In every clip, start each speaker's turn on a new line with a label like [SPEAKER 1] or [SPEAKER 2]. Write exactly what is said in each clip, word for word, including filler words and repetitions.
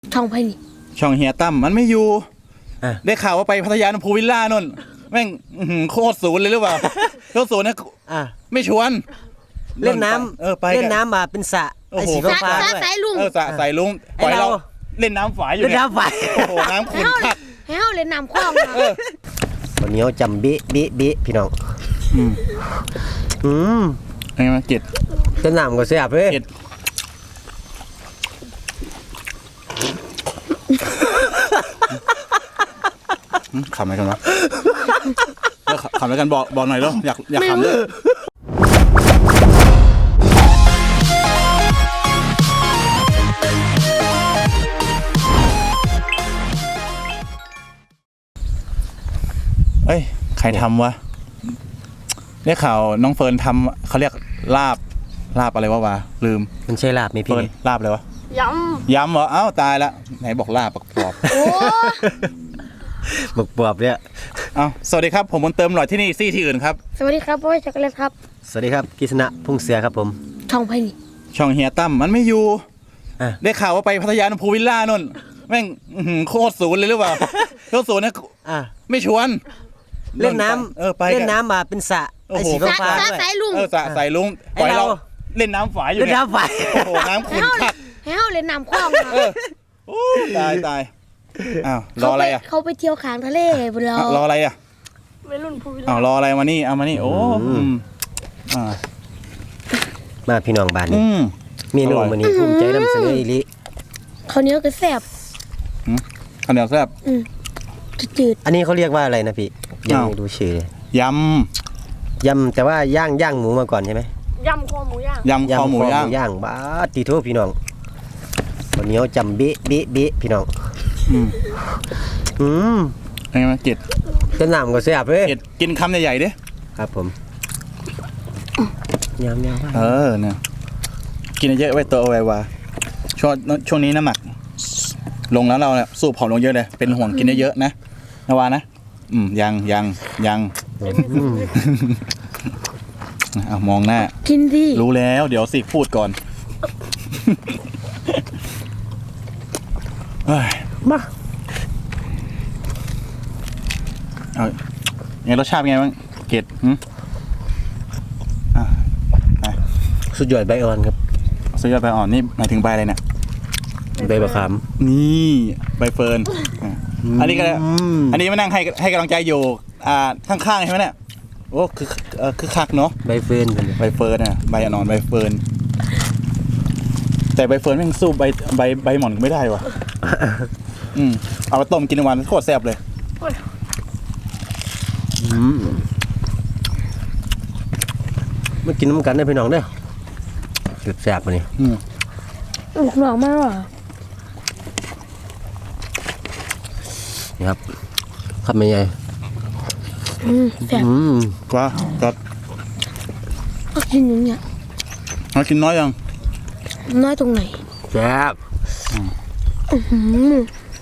[SPEAKER 1] ช่องไพ่นี่
[SPEAKER 2] ช่องเฮียตั้มมันไม่อยู่ได้ข่าวว่าไปพัทยาพูวิลล่านนแม่งโคตรศูนย์เลยหรือเปล่าโคตรศูนย์นะไม่ชวน
[SPEAKER 3] เล่นน้ำเออไปเล่นน้ำมาเป็นสระไอ้สีฟ้าด้วย
[SPEAKER 1] สายลุง
[SPEAKER 2] เออสระสายลุงปล่อยเราเล่นน้ำฝายอยู่
[SPEAKER 3] เล่นน้ำฝาย
[SPEAKER 2] โอ้โหน้ำขุ่นคัก
[SPEAKER 1] ให้เขาเล่นน้ำคลอง
[SPEAKER 3] วันนี้จำบิบิบิพี่น้องอืมอืม
[SPEAKER 2] ไงมาเจ็ด
[SPEAKER 3] จะน้ำก็เสียบเลย
[SPEAKER 2] ขำอะไรกันวะขำอะไรกันบอกบอกหน่อยแล้วอยากอยากขำเลยเอ้ยใครทำวะได้ข่าวน้องเฟิร์นทำเขาเรียกลาบลาบอะไรวะวะลืม
[SPEAKER 3] มันใช่ลาบไหมพี่
[SPEAKER 2] ลาบเลยวะ
[SPEAKER 1] ยำ
[SPEAKER 2] ยำเหรอเอ้าตายละไหนบอกลาบปักปอบ
[SPEAKER 1] โอ้
[SPEAKER 3] บักปอบเนี่ย
[SPEAKER 2] เอ้าสวัสดีครับผมบนเติมหน่อยที่นี่ซี่ที่อื่นครับ
[SPEAKER 1] สวัสดีครับพ่อจักรเล็กครับ
[SPEAKER 3] สวัสดีครับกิษณะพุ่งเสือครับผม
[SPEAKER 1] ช่องไพ่นี่
[SPEAKER 2] ช่องเฮียตั้มมันไม่อยู่ได้ข่าวว่าไปพัทยาพูวิลล่านนแม่งโคตรศูนย์เลยหรือเปล่าโคตรศูนย์นะไม่ชวน
[SPEAKER 3] เล่นน้ำเออไปเล่นน้ำมาเป็นสระไอ้สีฟ้าด้วย
[SPEAKER 1] สายลุง
[SPEAKER 2] เออสระสายลุงปล่อยเราเล่นน้ำฝายอยู่
[SPEAKER 3] เล่นน้ำฝาย
[SPEAKER 2] โอ้โหน้ำขุ่นคัก
[SPEAKER 1] ให้เขาเล่นน้ำคลอง
[SPEAKER 2] ตายตายอ้าวรออะไรอ่ะ
[SPEAKER 1] เขาไปเที่ยวขางทะเลบนเรา
[SPEAKER 2] รออะไรอ่ะ
[SPEAKER 1] วัยรุ่นพูวิลล่า
[SPEAKER 2] อ้าวรออะไรมานี่เอามานี่โอ้
[SPEAKER 3] มาพี่น้องบ้านนี่มีนุ่มวันนี้ภูมิใจนำเสนออีลิ
[SPEAKER 1] ข้าวเหนียวก็แซ่บ
[SPEAKER 2] ข้าวเหนียวแซ่บ
[SPEAKER 1] จืด
[SPEAKER 3] อันนี้เขาเรียกว่าอะไรนะพี่ยังไม่ดูชื่อย
[SPEAKER 2] ำ
[SPEAKER 3] ยำแต่ว่าย่างย่างหมูมาก่อนใช่ไหม
[SPEAKER 1] ยำคอหมูย่าง
[SPEAKER 2] ยำคอหมูย่าง
[SPEAKER 3] ย่างบ้าตีทั่วพี่น้องวันนี้จำบิบิบิพี่น้องอืมอืม
[SPEAKER 2] ไงมาเจ็ด
[SPEAKER 3] จะน้ำก็เสียบเลย
[SPEAKER 2] เจ็ดกินคำใหญ่ๆดิ
[SPEAKER 3] ครับผมยำยำ
[SPEAKER 2] เออเนี่ยกินเยอะไว้ตัวเอาไว้ว่าช่วงช่วงนี้น้ำหนักลงแล้วเราเนี่ยสูบผอมลงเยอะเลยเป็นห่วงกินเยอะๆนะนวานะอืมยังยังยังเอามองหน้า
[SPEAKER 1] กินดิ
[SPEAKER 2] รู้แล้วเดี๋ยวสิพูดก่อน
[SPEAKER 3] มา
[SPEAKER 2] เอาไงรสชาติเป็นไงบ้างเกดอ่า
[SPEAKER 3] สุดยอดใบอ่อนครับ
[SPEAKER 2] สุดยอดใบอ่อนนี่หมายถึงใบอะไรเนี่ย
[SPEAKER 3] ใบมะขาม
[SPEAKER 2] นี่ใบเฟิร์นอันนี้ก็อันนี้มานั่งให้ให้กำลังใจอยู่อ่าข้างๆใช่ไหมเนี่ยโอ้คือเออคือคักเนาะ
[SPEAKER 3] ใบเฟิร์น
[SPEAKER 2] ใบเฟิร์นอ่ะใบอ่อนใบเฟิร์นแต่ใบเฟิร์นแม่งสู้ใบใบใบหม่อนไม่ได้ว่ะอืมเอาไปต้มกินวันโคตรแซ่บเลย
[SPEAKER 3] อืมมากินน้ำกันได้พี่น้องเด้อจุดแซ่บมานี่
[SPEAKER 1] อืมหนองมากหรอ
[SPEAKER 3] นี่ครับทำยังไง
[SPEAKER 1] อืมแซ่บ
[SPEAKER 2] อืมว้าจัด
[SPEAKER 1] ก็กินอย่างเงี้ย
[SPEAKER 2] เรากินน้อยยัง
[SPEAKER 1] น้อยตรงไหน
[SPEAKER 3] แซ่บ
[SPEAKER 1] อือหือ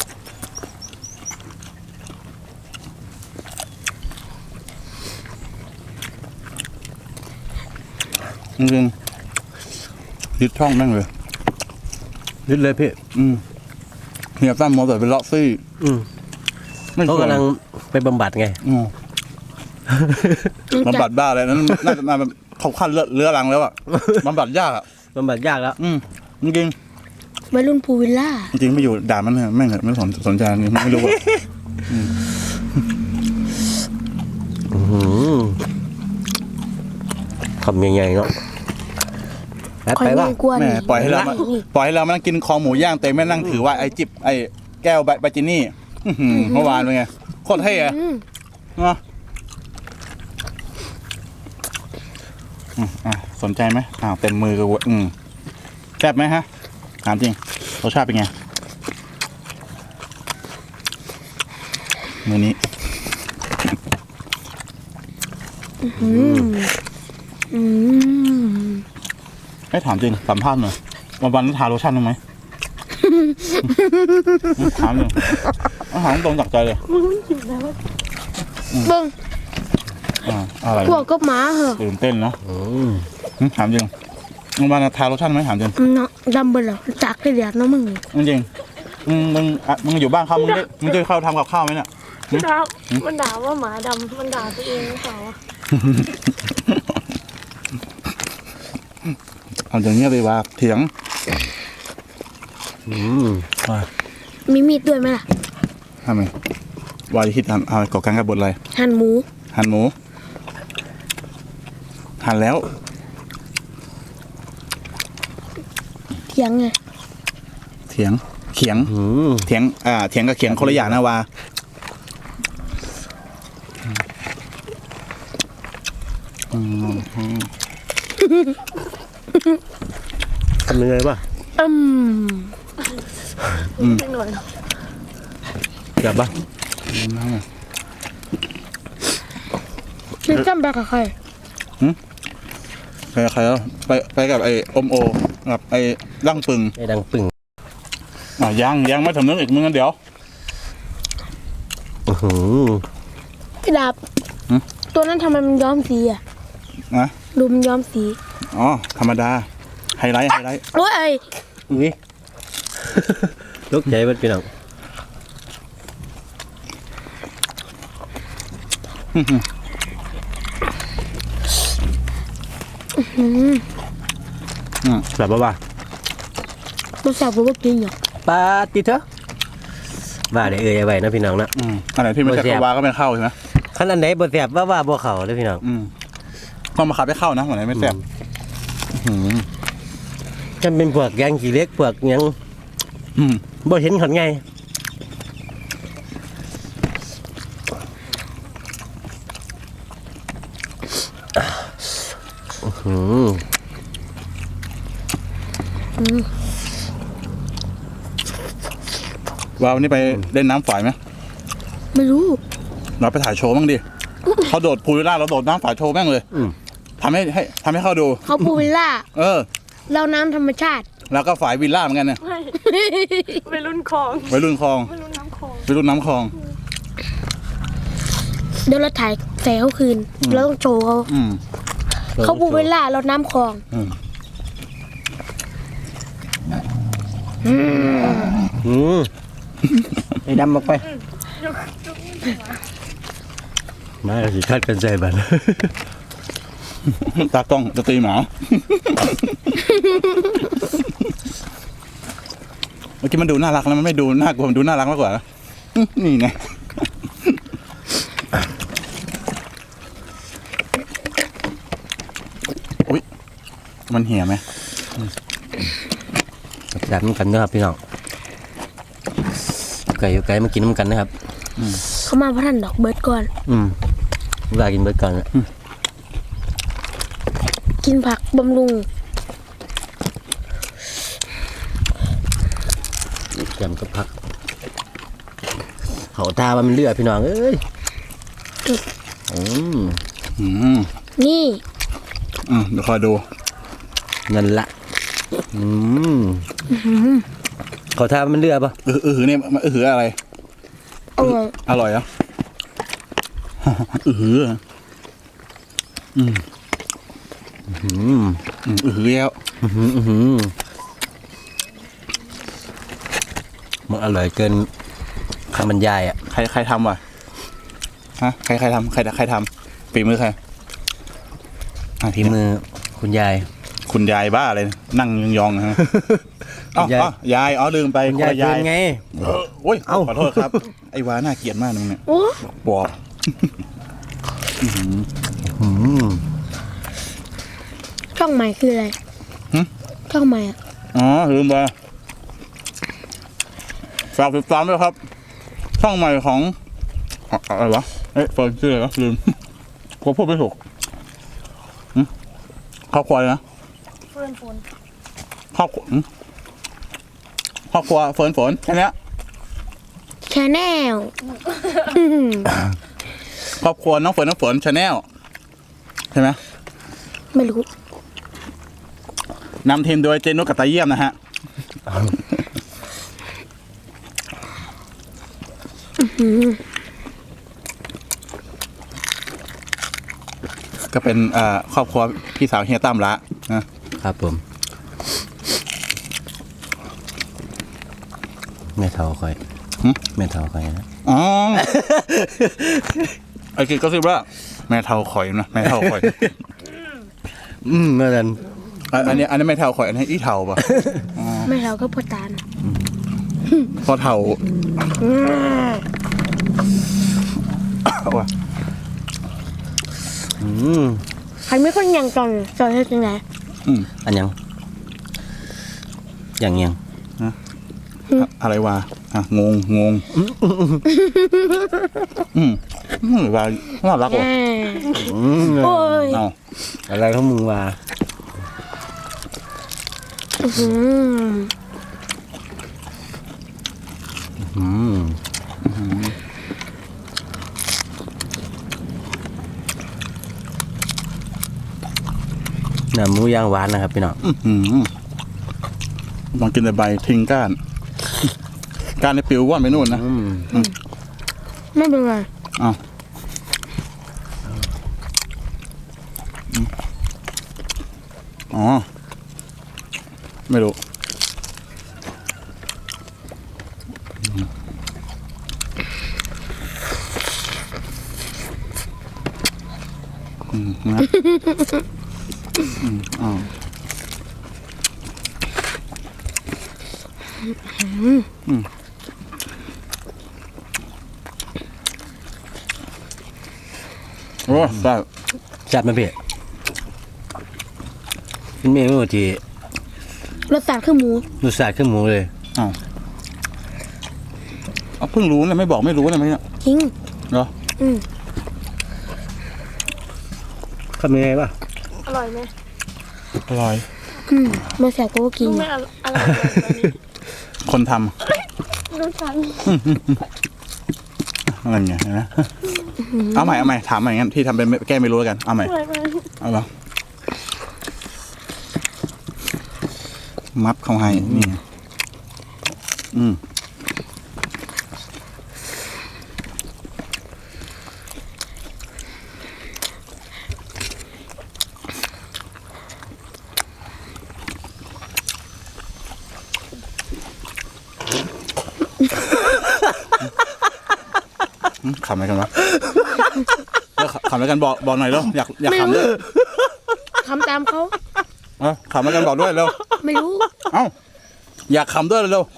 [SPEAKER 2] จริงๆยึดช่องแม่งเลย
[SPEAKER 3] ยึดเลยพี่
[SPEAKER 2] อืมเฮียตั้มมอเตอร์เป็นเลาะซี่
[SPEAKER 3] อืมเขากำลังไปบำบัดไง
[SPEAKER 2] อืมบำบัดบ้าอะไรนั้นน่าจะมาแบบเขาขั้นเลือรังแล้วอ่ะบำบัดยากอ่ะ
[SPEAKER 3] บำบัดยากแล้ว
[SPEAKER 2] อืมจริง
[SPEAKER 1] ๆวัยรุ่นพูวิลล่า
[SPEAKER 2] จริงๆไม่อยู่ด่ามันเหรอแม่งไม่สนสนใจนี่ไม่รู้อ่ะ
[SPEAKER 3] ทำยังไงเนาะไปว่า
[SPEAKER 2] แม่ปล่อยให้เราปล่อยให้เรามานั่งกินคอหมูย่างแต่ไม่นั่งถือว่าไอ้จิบไอ้แก้วใบจินี่เมื่อวานเป็นไงโคตรเท่อะเนาะสนใจไหมอ้าวเต็มมือกูอืมแซ่บไหมฮะถามจริงรสชาติเป็นไงมือนี้
[SPEAKER 1] อืมอืม
[SPEAKER 2] ไอ้ถามจริงสัมภาษณ์หน่อยวันวันทาโลชั่นมั้ยไหมถามเลยถามตรงจากใจเลย
[SPEAKER 1] เบิ้ง
[SPEAKER 2] อะไร
[SPEAKER 1] พวกก็หมาเหรอ
[SPEAKER 2] ตื่นเต้นเนาะถามจริงวันวันทาโลชั่นไหมถามจริง
[SPEAKER 1] เนาะดำเบลอจากที่เดียดน้องมึง
[SPEAKER 2] จริงมึงมึงอ่ะมึงอยู่บ้านเขามึงได้มึงจะเข้าทำกับข้าวไหมเนี่ย
[SPEAKER 1] มันด่ามันด่าว่าหมาดำมันด่าตัวเองหรือเปล่าวะ
[SPEAKER 2] เอาอย่างเงี้ยเลยว่าเถียง
[SPEAKER 3] อืม
[SPEAKER 2] ว่า
[SPEAKER 1] มีมีดด้วยไหมล่ะ
[SPEAKER 2] ทำไมวายคิดทำเอาก่อการกับบทอะไร
[SPEAKER 1] หั่นหมู
[SPEAKER 2] หั่นหมู หั่นแล้ว
[SPEAKER 1] เถียงไง
[SPEAKER 2] เถียง เขียง
[SPEAKER 3] อืม
[SPEAKER 2] เถียง อ่า เถียงกับเขียงคนละอย่างนะวาอืม
[SPEAKER 3] ทำยังไงวะ
[SPEAKER 1] อืม
[SPEAKER 2] อืม
[SPEAKER 1] นิดหน่อยเนอะ
[SPEAKER 3] จับปะ
[SPEAKER 1] นี่จำไปกับใคร
[SPEAKER 2] ไปกับใครแล้วไปไปกับไอ้อมโอกับไอ้ร่างปึง
[SPEAKER 3] ไอ้ดังปึ่ง
[SPEAKER 2] อ่ะยังยังไม่สำนึกอีกมึงกันเดี๋ยว
[SPEAKER 3] อื้อหือ
[SPEAKER 1] พี่ดาบ
[SPEAKER 2] หืม
[SPEAKER 1] ตัวนั้นทำไมมันย้อมสีอ่ะ
[SPEAKER 2] นะ
[SPEAKER 1] ดูมันย้อมสี
[SPEAKER 2] อ๋อ ธรรมดา ไฮไลท์ ไฮไลท์
[SPEAKER 1] โอ้ย
[SPEAKER 3] อุ้ย ลูกใจมันพี่น้อง แบบว่าว่า
[SPEAKER 1] มันแสบกว่ากินเหรอ
[SPEAKER 3] ปาติเถอะว่าได้เอ่ยไว้นะพี่น้องนะ
[SPEAKER 2] อืมอันไหนที่ไม่ใช่
[SPEAKER 3] โอ้ยแซ่บ
[SPEAKER 2] กวาก็ไม่เข้าใช่ไหม
[SPEAKER 3] ขั้นอันไหนบ่แซ่บว่าว่าบ่เข้าเลยพี่น้อง
[SPEAKER 2] อืมต้องมาขับให้เข้านะอันไหนไม่แซ่บอืม
[SPEAKER 3] จำเป็นพวกแกงขี้เหล็กพวกหยัง
[SPEAKER 2] อืม
[SPEAKER 3] บ่เห็นขันไงอื้อหือ
[SPEAKER 2] วาวันนี้ไปเล่นน้ำฝายไหม
[SPEAKER 1] ไม่รู้
[SPEAKER 2] เราไปถ่ายโชว์บ้างดิ เขาโดดพูลวิลล่าเราโดดน้ำฝายโชว์แม่งเลย
[SPEAKER 3] อืม
[SPEAKER 2] ทำให้ให้ทำให้เขาดู
[SPEAKER 1] เขาพูลวิลล่า
[SPEAKER 2] เออ
[SPEAKER 1] เราน้ำธรรมชาติ
[SPEAKER 2] แล้วก็ฝายวิลล่าเหมือนกันเนี่ย
[SPEAKER 4] ไปรุ่นคลอง
[SPEAKER 2] ไว้รุ่นคลอง
[SPEAKER 4] ไปรุ่นน้ำคลอง
[SPEAKER 2] ไว้รุ่นน้ำคลอง
[SPEAKER 1] เดี๋ยวเราถ่ายแสงเขาคืน เราต้องโชว์เขา
[SPEAKER 2] อืม
[SPEAKER 1] เขาพูลวิลล่าเราน้ำคลอง
[SPEAKER 2] อืม
[SPEAKER 3] อืมไอ้ดำออกไป มาสิคัดกันใจบัด
[SPEAKER 2] ตากล้องจะตีหมา เมื่อกี้มันดูน่ารักแล้วมันไม่ดูน่ากลัวมันดูน่ารักมากกว่าอื้อนี่ไง อุ๊ย มันเหี่ยไหม
[SPEAKER 3] จับน้ำกันนะครับพี่น้องไก่อยู่ไก่มากินน้ำกันนะครับ
[SPEAKER 1] เขามาพระท่านดอกเบิร์ดก่อน
[SPEAKER 3] อืมว่ากินเบิดก่อนนะ
[SPEAKER 1] กินผักบำรุง
[SPEAKER 3] แกมกับผักเขาตาว่ามันเลือดพี่น้องเอ้ยอืม
[SPEAKER 2] อืม
[SPEAKER 1] นี่
[SPEAKER 2] อืมเดี๋ยวคอยดู
[SPEAKER 3] นั่นละอืมเขาทาว่ามันเลือดปะ
[SPEAKER 2] เออเออหือเนี่ยมันเออหืออะไร
[SPEAKER 1] อร่อย
[SPEAKER 2] อร่อยเหรอ่ะ เออหืออืม
[SPEAKER 3] อืม
[SPEAKER 2] อืมเออหือแล้ว
[SPEAKER 3] อื้อหืออื้อหือมันอร่อยเกินคำบรรยายอ่ะ
[SPEAKER 2] ใครใครทำวะฮะใครใครทำใครใครทำฝีมือใครอ่ะ
[SPEAKER 3] ที่มือคุณยาย
[SPEAKER 2] คุณยายบ้าเลยนั่งยองๆนะฮะอ๋อ
[SPEAKER 3] คุณยาย
[SPEAKER 2] อ๋อยายอ๋อลืมไป
[SPEAKER 3] คุณ
[SPEAKER 2] คน
[SPEAKER 3] ยาย
[SPEAKER 2] ละ
[SPEAKER 3] เกิ
[SPEAKER 2] ยาน ย
[SPEAKER 3] ไง
[SPEAKER 2] เออโอ้ย
[SPEAKER 3] เอ้า
[SPEAKER 2] ขอโทษครับ ไอ้วาน่าเกลียดมากนึงเนี่ย
[SPEAKER 1] โอ้
[SPEAKER 2] ปอบ
[SPEAKER 3] อืม
[SPEAKER 1] ช่องใหม่คืออะไร
[SPEAKER 2] หึ
[SPEAKER 1] ช่องใหม่อะ
[SPEAKER 2] อ๋อลืมไปฝากติดตามด้วยครับ ช่องใหม่ของอะอะไรวะเอ๊ะเฟิร์นชื่ออะไรวะลืมกลัวพูดไม่ถูกหึครอบครัวเลยนะ
[SPEAKER 4] เพื่อนฝน
[SPEAKER 2] ครอบครัวหึครอบครัวเฟิร์นฝนแค่เนี้ย
[SPEAKER 1] ชาแนล
[SPEAKER 2] ครอบครัวน้องเฟิร์นน้องฝนชาแนลใช่ไหม
[SPEAKER 1] ไม่รู้
[SPEAKER 2] นำทีมโดยเจนุกกับตาเยี่ยมนะฮะ ก็เป็นเอ่อครอบครัวพี่สาวเฮียตั้มละนะครับ
[SPEAKER 3] ผมแม่ทท่าคอย
[SPEAKER 2] หึ
[SPEAKER 3] แม่เท่าคอยนะ
[SPEAKER 2] อ๋อ ไอ้กิดก็คือว่าแม่เท่าข่อยนะแม่เท่าข่อย
[SPEAKER 3] อืมเมื่อนั้น
[SPEAKER 2] อ่ะอันนี้อันนี้แม่เท่าข่อยอันนี้อีเท่าป่ะ
[SPEAKER 1] ไม่เราก็พอตาล
[SPEAKER 2] พอเท่าว่ะ
[SPEAKER 3] อืม
[SPEAKER 1] ใครไม่คนยังจอนจอนให้จังไหน
[SPEAKER 2] อืม
[SPEAKER 3] อันยังอย่างยัง
[SPEAKER 2] อะไรวะอ่ะงงงงอืมอืมว่าน่ารักว่ะ
[SPEAKER 3] อืม
[SPEAKER 1] โอ้ย
[SPEAKER 2] เอา
[SPEAKER 3] อะไรของมึงวะ
[SPEAKER 1] อืม
[SPEAKER 3] อืมน้ำหมูย่างหวานนะครับพี่น้อง
[SPEAKER 2] อืมลองกินแต่ใบทิ้งก้าน ก้านในปิวว่อนไปนู่นนะ
[SPEAKER 3] อืม
[SPEAKER 1] ไม่เป็นไร
[SPEAKER 2] เอาอ๋อ ไม่รู้อืมนะอืมอ๋ออืมโอ้ได้
[SPEAKER 3] จัดมาเพียเป็นเมนูที่
[SPEAKER 1] รสชาติคือหมู
[SPEAKER 3] รสชาติขึ้นหมูเลย
[SPEAKER 2] อ้าวเอาเพิ่งรู้นะไม่บอกไม่รู้นะไหมเนี่ย
[SPEAKER 1] จริง
[SPEAKER 2] เหรอ
[SPEAKER 1] อืม
[SPEAKER 3] ทำยังไงวะ
[SPEAKER 4] อร่อยไหม
[SPEAKER 2] อร่อย
[SPEAKER 1] อืมมาแสบก็กิน
[SPEAKER 4] รู้ไหมอร่อยอะไรแบบนี้
[SPEAKER 2] คนท
[SPEAKER 4] รู้ทัน
[SPEAKER 2] ำอะไรเงี้ยนะเอาใหม่เอาใหม่ถามใหม่งั้นที่ทำเป็นไม่แก้ไม่รู้แล้วกันเอาใหม่
[SPEAKER 4] อร่อยไหม
[SPEAKER 2] เอาเหรอมับเขาให้นี่อืมอืมขำอะไรกันวะเออขำอะไรกันบอกบอกหน่อยแล้วอยากอยากขำด้วย
[SPEAKER 1] ทำตามเขา
[SPEAKER 2] เออขำอะไรกันบอกด้วยเร็ว
[SPEAKER 1] ไม่รู้
[SPEAKER 2] เอ้าอยากขำด้วยเร็ว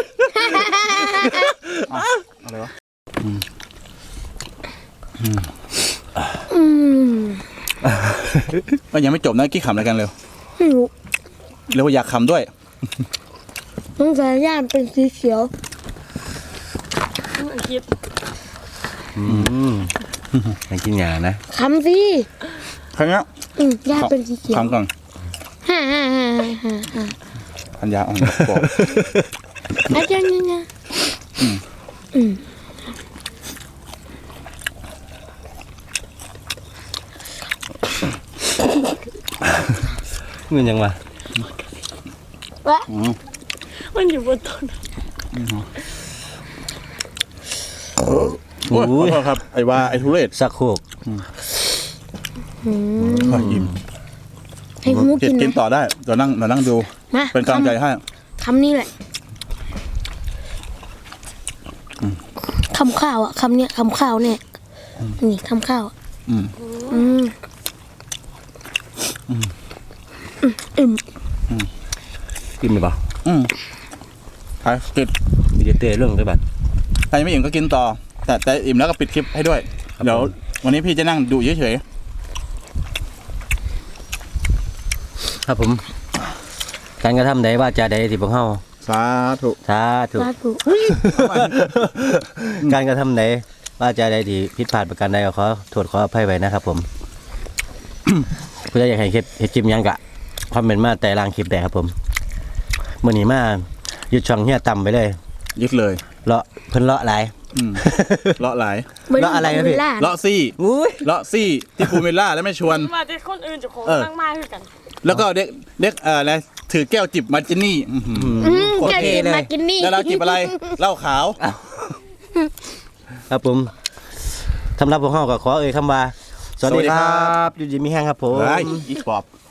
[SPEAKER 2] เอ้าอะไรวะ
[SPEAKER 1] อืม
[SPEAKER 2] ก็ยังไม่จบนะกี้ขำอะไรกันเร็ว
[SPEAKER 1] ไม่รู้
[SPEAKER 2] เร็วอยากขำด้วย
[SPEAKER 1] สงสัยย่านเป็นสีเขียว
[SPEAKER 4] ไม่คิด
[SPEAKER 3] อืมให้กินหยานะ
[SPEAKER 1] คำสิ
[SPEAKER 2] ครั้งนี้
[SPEAKER 1] อืมย่านเป็นสีเขียว
[SPEAKER 2] ขำก่อน
[SPEAKER 1] ฮ่าฮ่าฮ่าฮ่าฮ่า
[SPEAKER 2] พันยาอ่อนบอก
[SPEAKER 1] อาจารย์นี่นะอืม
[SPEAKER 3] เงินยังวะ
[SPEAKER 1] วะ
[SPEAKER 2] อืม
[SPEAKER 4] มันอยู่บนต้น
[SPEAKER 2] โอ้ยขอโทษครับไอ้ว่าไอ้ทุเรศ
[SPEAKER 3] สักโคก
[SPEAKER 1] อืม
[SPEAKER 2] ขออิ่ม
[SPEAKER 1] ให้หมู
[SPEAKER 2] กิ
[SPEAKER 1] กิ
[SPEAKER 2] น
[SPEAKER 1] น
[SPEAKER 2] กิน
[SPEAKER 1] นะ
[SPEAKER 2] ต่อได้เดี๋ยวนั่งเดี๋ยวนั่งดู
[SPEAKER 1] มา
[SPEAKER 2] เป็นกำลังใจให้
[SPEAKER 1] คำนี้แหละคำข้าวอ่ะคำเนี้ยคำข้าวเนี่ยนี่คำข้าวอะ
[SPEAKER 2] อืม
[SPEAKER 1] อืมอืม
[SPEAKER 3] กินไหมบ่
[SPEAKER 2] อืมไปกิน
[SPEAKER 3] มีเดเต้เรื่องด้วยบัด
[SPEAKER 2] ใครไม่อิ่มก็กินต่อ แต่แต่อิ่มแล้วก็ปิดคลิปให้ด้วย เดี๋ยววันนี้พี่จะนั่งดูเฉย
[SPEAKER 3] ครับผม การกระทำใดว่าจะใดที่พวกเฮา
[SPEAKER 2] ๆสาธุ
[SPEAKER 3] สาธุ
[SPEAKER 1] สาธุ
[SPEAKER 3] การกระทำใดว่าจะใดที่ผิดพลาดประการใดก็ขอโทษขออภัยไว้นะครับผม เพื่ออยากให้คลิปเฮ็ดคลิปหยังกะคอมเมนต์มาแต่ล่างคลิปได้ครับผมมื้อนี้มายึดช่องเฮียต่ำไปเลย
[SPEAKER 2] ยึดเลย
[SPEAKER 3] เลาะเพิ่นเลาะหลาย
[SPEAKER 2] อืมเลาะหลาย
[SPEAKER 3] แล้วอะไรนะพี่
[SPEAKER 1] เวลา
[SPEAKER 2] เลาะซี่
[SPEAKER 3] อุ้ย
[SPEAKER 2] เลาะซี่ที่ภูมิลล่าแล้วไม่ชวน
[SPEAKER 4] มาที่คนอื่นจะของ
[SPEAKER 2] เออ
[SPEAKER 4] นั่งมาคือกัน
[SPEAKER 2] แล้วก็เด็กเด็กเอ่ออะไรถือแก้วจิบมาร์จินี่อื้อหือ
[SPEAKER 1] อืม
[SPEAKER 3] โอ
[SPEAKER 1] จะ
[SPEAKER 3] เค
[SPEAKER 1] กิน
[SPEAKER 3] เลย
[SPEAKER 1] มากินนี่
[SPEAKER 2] แล้วเราจิบอะไรเหล้าขาว
[SPEAKER 3] ครับผมสำหรับพวกเฮาก็ขอเอ่ยคำว่า สวัสดีครับอยู่ดีมีแห้งครับผม
[SPEAKER 2] เฮ้ยอีกปอบ